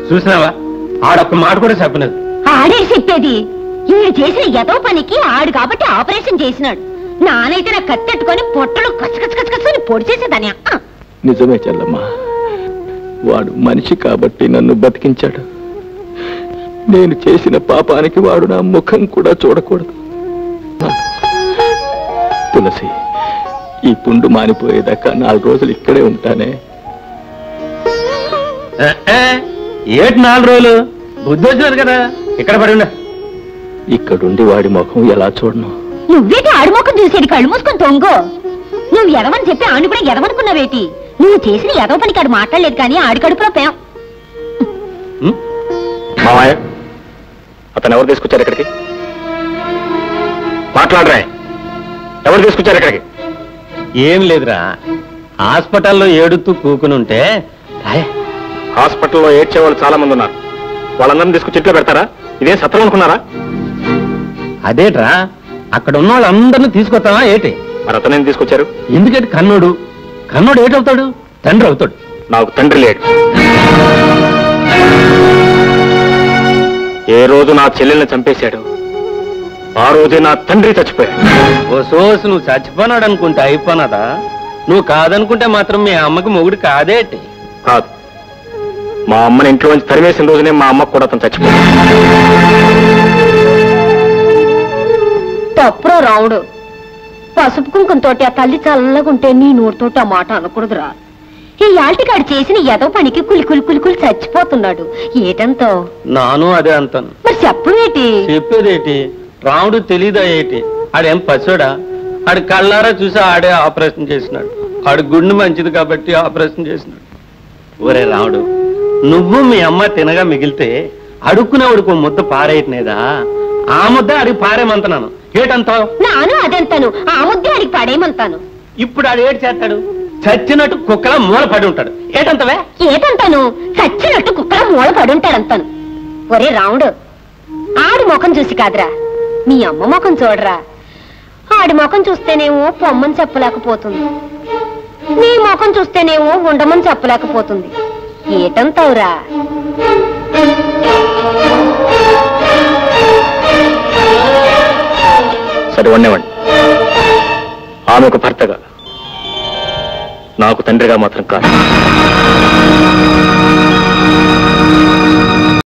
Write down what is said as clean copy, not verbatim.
చూసినావా ఆడొక్క మాట కూడా చెప్పలేదు. ఆడే చెప్పేది ఈడు చేసిన ఏదో పనికి ఆడు కాబట్టి ఆపరేషన్ చేసినాడు. నానైతే నా కత్తెట్టుకొని పొట్టలు కచ్చకచ్చకచ్చని పొడి చేసేదాని. నిజమే చెల్లమ్మా, వాడు మనిషి కాబట్టి నన్ను బతికించాడు. నేను చేసిన పాపానికి వాడు నా ముఖం కూడా చూడకూడదు. తులసి, ఈ పుండు మానిపోయేదాకా 4 రోజులు ఇక్కడే ఉంటానే. ఏటి 4 రోజులు? బుద్ధి వచ్చినారు కదా, ఇక్కడ పడి ఉండ. ఇక్కడుండి వాడి ముఖం ఎలా చూడను? నువ్వేటి ఆడి ముఖం చూసేది? కళ్ళు మూసుకొని తొంగో. నువ్వు ఎదవని చెప్పి ఆడిని కూడా ఎదవనుకున్నావేటి? నువ్వు చేసిన ఎదవ పనికి ఆడు మాట్లాడలేదు కానీ ఆడి కడుపులో పేం. మామయ్య, అతను ఎవరు తీసుకొచ్చారు ఇక్కడికి? మాట్లాడరా, ఎవరు తీసుకొచ్చారు ఇక్కడికి? ఏం లేదురా, హాస్పిటల్లో ఏడుతూ కూకునుంటే. హాస్పిటల్లో ఏడ్చే వాళ్ళు చాలా మంది ఉన్నారు. వాళ్ళందరినీ తీసుకొచ్చి ఇంట్లో పెడతారా? ఇదే సత్రం అనుకున్నారా? అదేట్రా, అక్కడ ఉన్న వాళ్ళందరినీ తీసుకొస్తావా ఏటి? మరి అతనేం తీసుకొచ్చారు? ఎందుకంటే కన్నోడు ఏటవుతాడు? తండ్రి అవుతాడు. నాకు తండ్రి లేడు. ఏ రోజు నా చెల్లెల్ని చంపేశాడు ఆ రోజే నా తండ్రి చచ్చిపోయాడు. ఓ సోసు, నువ్వు చచ్చిపోనాడు అనుకుంటే అయిపోనాదా? నువ్వు కాదనుకుంటే మాత్రం మీ అమ్మకి మొగుడు కాదేటి? కాదు, మా అమ్మని ఇంట్లో నుంచి తరిమేసిన రోజునే మా అమ్మకు కూడా అతను చచ్చిపోయాడు. తప్పురో రావుడు. పసుపు కుంకంతోటి ఆ తల్లి చల్లగుంటే నీ నోటితోటి ఆ మాట అనకూడదురా. ఈ యాల్టికాడు చేసిన ఏదో పనికి కులి చచ్చిపోతున్నాడు. ఏటంతో? నాను అదే అంతాను. మరి చెప్పేటి? చెప్పేదేటి? రాముడు తెలీదా ఏటి? ఆడేం పశుడా? ఆడు కళ్ళారా చూసి ఆడే ఆపరేషన్ చేసినాడు. ఆడు గుండె మంచిది కాబట్టి ఆపరేషన్ చేసినాడు. ఒరే రాముడు, నువ్వు మీ అమ్మ తినగా మిగిలితే అడుక్కునేవాడికి ముద్ద పారేయట్లేదా? ఆ ముద్ద అడిగి పారేమంటున్నాను. ఏటంతావు? నాను అదంతాను, ఆ ముద్దే అడిగి పాడేయమంతాను. ఇప్పుడు ఆడు ఏడు చేస్తాడు? చచ్చినట్టు కుక్కలా మూల పడి ఉంటాడు. ఏటంతవే? ఏటంతాను? చచ్చినట్టు కుక్కలా మూల పడి ఉంటాడంతాను. ఒరే రాముడు, ఆడి ముఖం చూసి కాదురా, మీ అమ్మ ముఖం చూడరా. ఆడి ముఖం చూస్తేనేమో పొమ్మని చెప్పలేకపోతుంది, నీ ముఖం చూస్తేనేమో ఉండమని చెప్పలేకపోతుంది. ఏటంతావురా? సరే వండేవండి. ఆమెకు భర్తగా, నాకు తండ్రిగా మాత్రం కాదు.